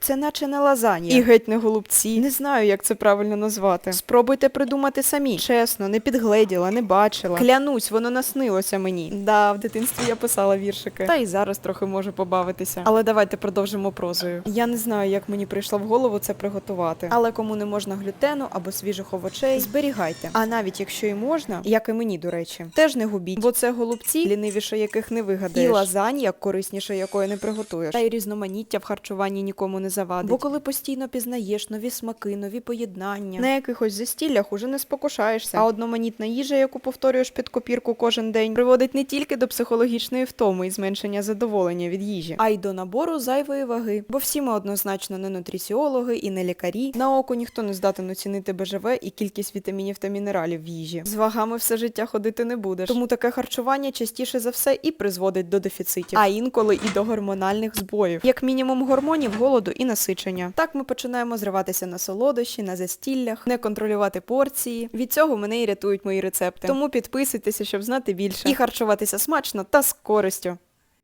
Це наче не лазанья. І геть не голубці. Не знаю, як це правильно назвати. Спробуйте придумати самі. Чесно, не підгледіла, не бачила. Клянусь, воно наснилося мені. Да, в дитинстві я писала віршики. Та й зараз трохи можу побавитися. Але давайте продовжимо прозою. Я не знаю, як мені прийшло в голову це приготувати. Але кому не можна глютену або свіжих овочей, зберігайте. А навіть якщо і можна, як і мені, до речі, теж не губіть. Бо це голубці, лінивіше яких не вигадаєш. І лазанья, корисніше якої не приготуєш. Та й різноманіття в харчуванні нікому не завадить. Бо коли постійно пізнаєш нові смаки, нові поєднання, на якихось застіллях уже не спокушаєшся. А одноманітна їжа, яку повторюєш під копірку кожен день, приводить не тільки до психологічної втоми і зменшення задоволення від їжі, а й до набору зайвої ваги. Бо всі ми однозначно не нутріціологи і не лікарі. На око ніхто не здатен оцінити БЖВ і кількість вітамінів та мінералів в їжі. З вагами все життя ходити не будеш. Тому таке харчування частіше за все і призводить до дефіцитів, а інколи і до гормональних збоїв. Як мінімум гормонів, голоду і насичення. Так ми починаємо зриватися на солодощі, на застіллях, не контролювати порції. Від цього мене і рятують мої рецепти. Тому підписуйтеся, щоб знати більше. І харчуватися смачно та з користю.